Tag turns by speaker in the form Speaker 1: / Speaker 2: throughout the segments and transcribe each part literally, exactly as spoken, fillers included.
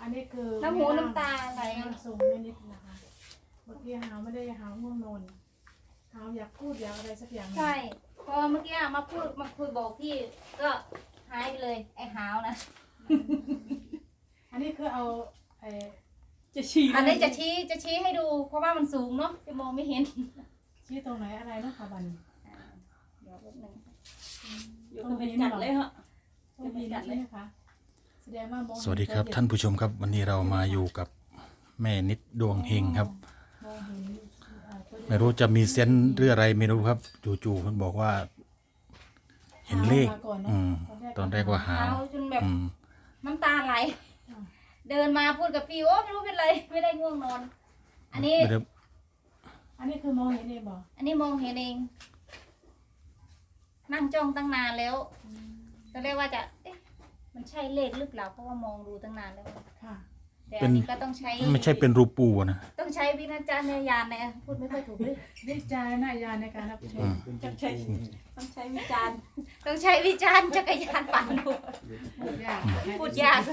Speaker 1: อันนี้คือ
Speaker 2: น้ำหูน้ำตาไหล
Speaker 1: สูงไม่นิดนะคะเมื่อกี้หาวไม่ได้หาวง่วงนอนหาวอยากพูดอยากอะไรสักอย่าง
Speaker 2: ใช่พอเมื่อกี้มาพูดมาคุยบอกพี่ก็หายไปเลยไอ้หาวนะ
Speaker 1: อันนี้คือเอาไอ้
Speaker 3: จะชี้
Speaker 2: อันนี้จะชี้จะชี้ให้ดูเพราะว่ามันสูงเนาะจะมองไม่เห็น
Speaker 1: ชี้ตรงไหนอะไรเนาะค่ะบัน
Speaker 2: เดี๋ยวแป๊บนึง
Speaker 3: อยู่ก็เป็นจัดเลยเหรอ
Speaker 1: ต้องมีนะใช่ไหมคะแสดงว่ามอง
Speaker 4: สวัสดีครับท่านผู้ชมครับ วันนี้เรามาอยู่กับแม่นิดดวงเฮงครับ
Speaker 1: มองเห็นอ่าตัว
Speaker 4: ไม่รู้จะมีเซนส์หรืออะไรไม่รู้ครับจู่ๆเพิ่นบอกว่า เห็นเลข
Speaker 1: มาก่อนเน
Speaker 4: อื
Speaker 1: อะ
Speaker 4: มตอนแรกว่าหา
Speaker 2: หาว วจนแบบ
Speaker 4: อืม
Speaker 2: น้ำตาไหล เดินมาพูดกับพี่โอ้ไม่รู้เป็นไรไม่ได้ง่วงนอน อันนี้
Speaker 4: ไม่ได้
Speaker 1: อันนี้คือมองเห็นเองบอก
Speaker 2: อันนี้มองเห็นเอง นั่งจ้องตั้งนานแล้วตอนแรกว่าจะเอ๊ะมันใช่เลขหรือเปล่าเพราะว่ามองดูตั้งนานแล้ว
Speaker 1: ค่ะ
Speaker 2: แต่อันนี้ก็ต้องใช้
Speaker 4: ไม่ใช่เป็นรูปปูนะ
Speaker 2: ต้องใช้วิจารณญาณนะพูดไม่ค่อยถูกเลย
Speaker 1: วิจารณญาณในการรับช
Speaker 4: อื
Speaker 1: ม
Speaker 4: ม
Speaker 3: ต้องใช้ต้องใช้วิจารณ์
Speaker 2: ต้องใช้วิจารณ์จักรยานปั่นดู
Speaker 1: พูดยาก
Speaker 2: พูดยากเลย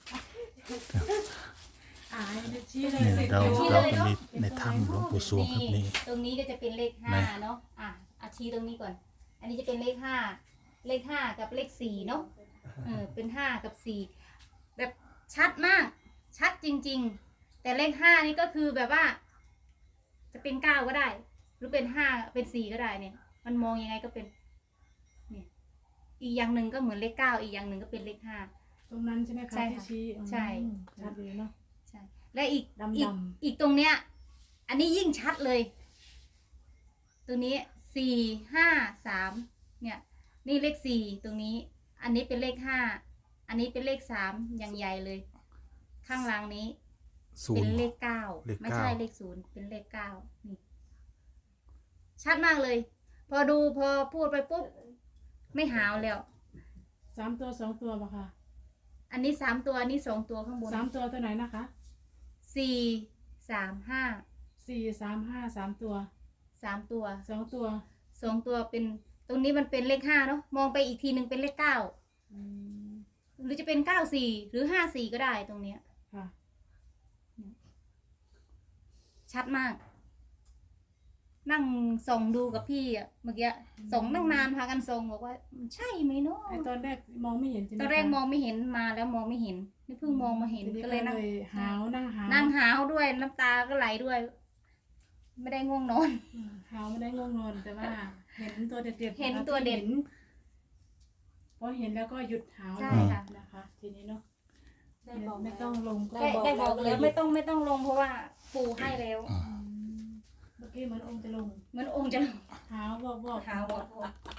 Speaker 1: อ่าชี้เลย
Speaker 4: นี่เราเราเป็นในในถ้ำหลวงปู่สวงครับนี่
Speaker 2: ตรงนี้ก็จะเป็นเลขห้า
Speaker 4: ไหน
Speaker 2: เนาะอ่ะอาชี้ตรงนี้ก่อน อันนี้จะเป็นเลขห้าเลขห้ากับเลขสี่เนาะเออเป็นห้ากับสี่แบบชัดมาก ชัดจริง ๆ แต่เลขห้านี่ก็คือแบบว่า จะเป็นเก้าก็ได้ หรือเป็นห้าเป็นสี่ก็ได้เนี่ย มันมองยังไงก็เป็น เนี่ย อีกอย่างหนึ่งก็เหมือนเลขเก้าอีกอย่างหนึ่งก็เป็นเลขห้า
Speaker 1: ตรงนั้นใช่ไหมคะ
Speaker 2: ใช่
Speaker 1: ที่
Speaker 2: ค่ะ
Speaker 1: ชี้
Speaker 2: ใช่
Speaker 1: อืมชัดเลยเนาะ
Speaker 2: ใช่ และอีก
Speaker 1: ดำๆ
Speaker 2: อีกอีกตรงเนี้ย อันนี้ยิ่งชัดเลย ตัวนี้สี่ห้าสามเนี่ย นี่เลขสี่ตรงนี้ อันนี้เป็นเลขห้าอันนี้เป็นเลขสามอย่างใหญ่เลย ข้างล่างนี้
Speaker 4: ศู
Speaker 2: เป็น น
Speaker 4: ย์
Speaker 2: เลขเก้า
Speaker 4: เลขเก้า
Speaker 2: ไม่ใช่เลขศูนย์เป็นเลขเก้านี่ ชัดมากเลย พอดูพอพูดไปปุ๊บไม่หาวแล้ว
Speaker 1: สามตัวสองตัวป่ะคะ
Speaker 2: อันนี้สามตัวอันนี้สองตัวข้างบน
Speaker 1: สามตัวตัวไหนนะคะ
Speaker 2: สี่สามห้า
Speaker 1: สี่สามห้าสามตัว
Speaker 2: สามตัว
Speaker 1: สองตัว
Speaker 2: สองตัวเป็นตรงนี้มันเป็นเลขห้าเนาะมองไปอีกทีหนึ่งเป็นเลขเก้า
Speaker 1: อืม
Speaker 2: หรือจะเป็นเก้าสี่หรือห้าสี่ก็ได้ตรงเนี้ย
Speaker 1: ค่ะ
Speaker 2: ชัดมาก นั่งส่องดูกับพี่อะเมื่อกี้ส่องนั่งนานพากันส่องบอกว่ามันใช่ไหมเนาะ
Speaker 1: ไอตอนแรกมองไม่เห็นใช่ไหม
Speaker 2: ตอนแรก
Speaker 1: คะ
Speaker 2: มองไม่เห็นมาแล้วมองไม่เห็นนี่เพิ่งมองมาเห็น
Speaker 1: ทีนี้
Speaker 2: ก็
Speaker 1: ก็
Speaker 2: เล
Speaker 1: เลย ย
Speaker 2: นั่ง
Speaker 1: หาวนั่งหาว
Speaker 2: นั่งหาวด้วยน้ำตาก็ไหลด้วย ไม่ได้ง่วงนอน
Speaker 1: อืมหาวไม่ได้ง่วงนอนแต่ว่า เห็นตัวเด็ดๆ
Speaker 2: เห็น
Speaker 1: นะคะ
Speaker 2: ตัวเด็ด
Speaker 1: ที่ห็นพอเห็นแล้วก็หยุดหาว
Speaker 2: ใช่
Speaker 1: เลย
Speaker 2: ค่ะ
Speaker 1: นะคะ ทีนี้เนาะ
Speaker 3: ได้บอก
Speaker 1: ไม่ต้องลงก็
Speaker 2: ได้ได้บอกแล้วไม่ต้องไม่ต้องลงเพราะว่าปู่ให้แล้ว
Speaker 1: อืมเมื่อกี้เหมือนองค์จะลง
Speaker 2: เหมือนองค์จะลง
Speaker 1: หาวบอกบอก
Speaker 2: หาวบอก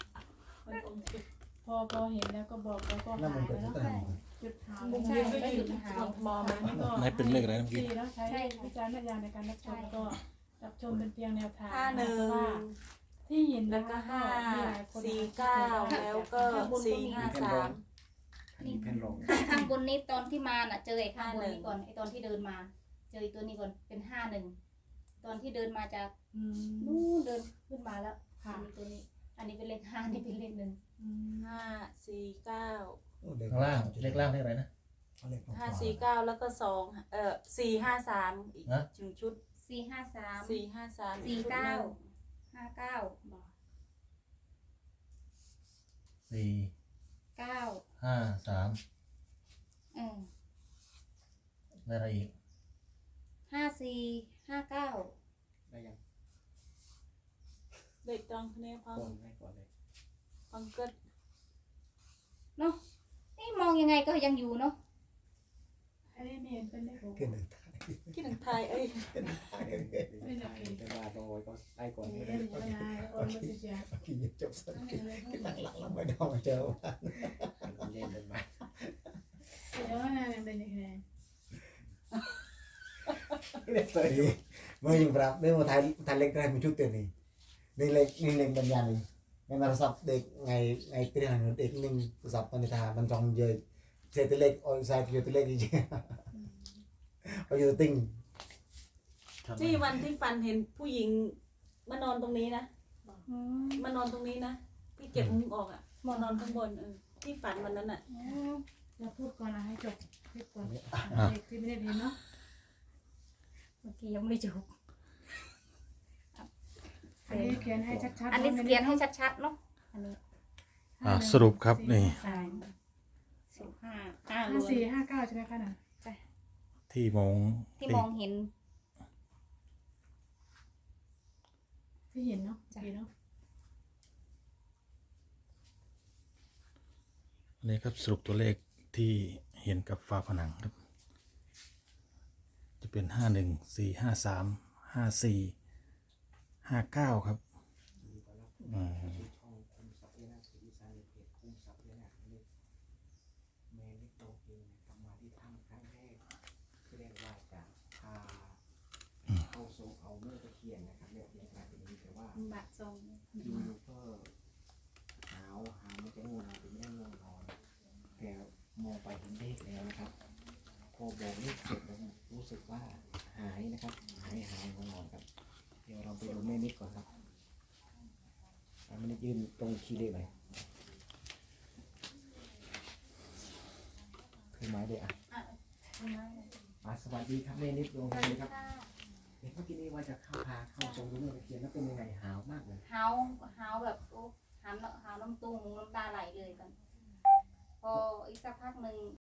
Speaker 1: พอพอเห็นแล้วก็บอกแล้วก็หายไปแล้วหยุดหาว
Speaker 2: ใช่ไม่หยุดหาว
Speaker 3: มองมัน
Speaker 1: นี่ก็
Speaker 4: ไหนเป็นเลขอะไรเมื่อกี้
Speaker 1: สี่แล้วใช้
Speaker 2: ใช่ค่ะ
Speaker 1: วิจารณญาณในการรับชม
Speaker 2: ใช่
Speaker 1: ก็รับชมเป็นเพียงแนวทาง
Speaker 3: ห้าหนึ่ง
Speaker 1: เพราะว่าที่เห็น
Speaker 3: แล้
Speaker 1: นะ
Speaker 3: วก็
Speaker 1: คะ
Speaker 3: ห้า
Speaker 1: มีหลายคน
Speaker 3: สี่เก้าแล้วก็สี่ห้าสาม
Speaker 2: นี่ข้างข้างบนนี้ตอนที่มาน่ะ เจอไอ้ข้างบนนี้ก่อนไอ้ตอนที่เดินมา เจอไอ้ตัวนี้ก่อนเป็นห้าหนึ่งตอนที่เดินมาจาก
Speaker 1: อืม
Speaker 2: นู่นเดินขึ้นมาแล้ว
Speaker 1: ค่ะ
Speaker 2: มีตัวนี้ อันนี้เป็นเลขห้านี่เป็นเลขหนึ่ง
Speaker 1: อืม
Speaker 3: ห้าสี่เก้า
Speaker 4: ข้างล่างเลขล่างเลขอะไรนะ
Speaker 3: ห้าสี่เก้าแล้วก็สองเอ่อสี่ห้าสามอีก
Speaker 4: ฮะ
Speaker 3: หนึ่งชุด
Speaker 2: สี่ห้าสาม
Speaker 3: สี่ห้าสาม
Speaker 2: สี่เก้าห้าเก้า
Speaker 1: บอก
Speaker 4: สี่
Speaker 2: เก้า
Speaker 4: ห้าสาม
Speaker 2: เออ
Speaker 4: อะไรอีก
Speaker 2: ห้าสี่ห้าเก้า
Speaker 5: ได้ยัง
Speaker 3: เด็กตองเนี่ยพัง
Speaker 5: ก่อนให้ก่อนเลย
Speaker 3: พังเกิด
Speaker 2: เนาะนี่มองยังไงก็ยังอยู่เนาะ
Speaker 1: อันนี้ไม่เห็นเป็นเลขหก
Speaker 5: ขึ้นหนึ่ง
Speaker 3: คิดถึงไทยเอ้ย
Speaker 1: ไม่ใช่
Speaker 5: เป็นว่าโดยก็ได้ก่อน
Speaker 1: ไม่
Speaker 5: เลย
Speaker 1: ได้ไม่ได้โอนมาสิจ้ะ
Speaker 5: กินจบสักกินกินหลังหลังแล้วไม่ได้มาเจอว่าเล่นเป็นมา
Speaker 1: เดี๋ยวนะเป็นยังไง
Speaker 5: เล่นเลยเมื่อยังปรับเรื่องมาไทยไทยเล็กได้มาชุดเต็มนี่นี่เล็กนี่เล็กบรรยายนี่ในโทรศัพท์เด็กไงไงเตี้ยหนึ่งเด็กหนึ่งโทรศัพท์มันจะมันจองเยอะเศษเล็กออยไซด์เยอะเล็กจริงๆเอาอยู่ติ้ง
Speaker 3: ที่วันที่ฟันเห็นผู้หญิงมานอนตรงนี้นะ
Speaker 2: อืม
Speaker 3: มานอนตรงนี้นะพี่เก็บมุ้งออกอ่ะมานอนข้างบนเออที่ฝันวันนั้นอ่ะ
Speaker 2: อืม
Speaker 1: เราพูดก่อนนะให้จบคลิปก่อน
Speaker 4: อ่ะ
Speaker 1: เด็กที่ไม่ได้เห็นเนาะ
Speaker 2: เมื่อกี้ยังไม่จบ
Speaker 1: อันนี้เขียนให้ชัดๆ
Speaker 2: อันนี้เขียนให้ชัดๆเนาะอันนี้
Speaker 4: อ่าสรุปครับนี่
Speaker 2: สามสิบห้าห้า
Speaker 1: ห้าสี่ห้าเก้าใช่ไหมคะน่ะ
Speaker 4: ที่มอง
Speaker 2: ที่มองเห็น
Speaker 1: ที่เห็นเนาะเห็นเนาะ
Speaker 4: อันนี้ครับสรุปตัวเลขที่เห็นกับฝาผนังครับ จะเป็นห้าหนึ่งสี่ห้าสามห้าสี่ห้าเก้าครับอืม
Speaker 5: ช่องคุมทรัพย์นะคืออีสานในเพจคุมทรัพย์นะนี่แม่นิดโตเองทำมาที่ถ้ำครั้งแรกที่เรียกว่าจะพาเข้าทรงเอาเมื่อตะเคียนนะครับเนี่ยยังกลายเป็นนี้แต่ว่า
Speaker 2: บัตรทรง
Speaker 5: ยูก็หาวหาวไม่จะง่วงนอนหรือไม่ได้ง่วงนอนแต่มองไปเห็นเลขแล้วนะครับพอบอกเลขเสร็จแล้วรู้สึกว่าหายนะครับหายหายง่วงนอนครับเดี๋ยวเราไปดูแม่นิดก่อนครับแม่นิดยืนตรงคีย์เลขไหนคือไม้เลยอ่ะอ่ะสวัสดีครับแม่นิดดวงดีครับเห็นเมื่อกี้นี้ว่าจะเข้าพาเข้าทรงดูเมื่อตะเคียนแล้วเป็นยังไงหาวมากเลย
Speaker 2: เฮาเฮาแบบโอ้หามเฮาน้ำตุ้งน้ำตาไหลเลยกันพออีกสักพักหนึ่ง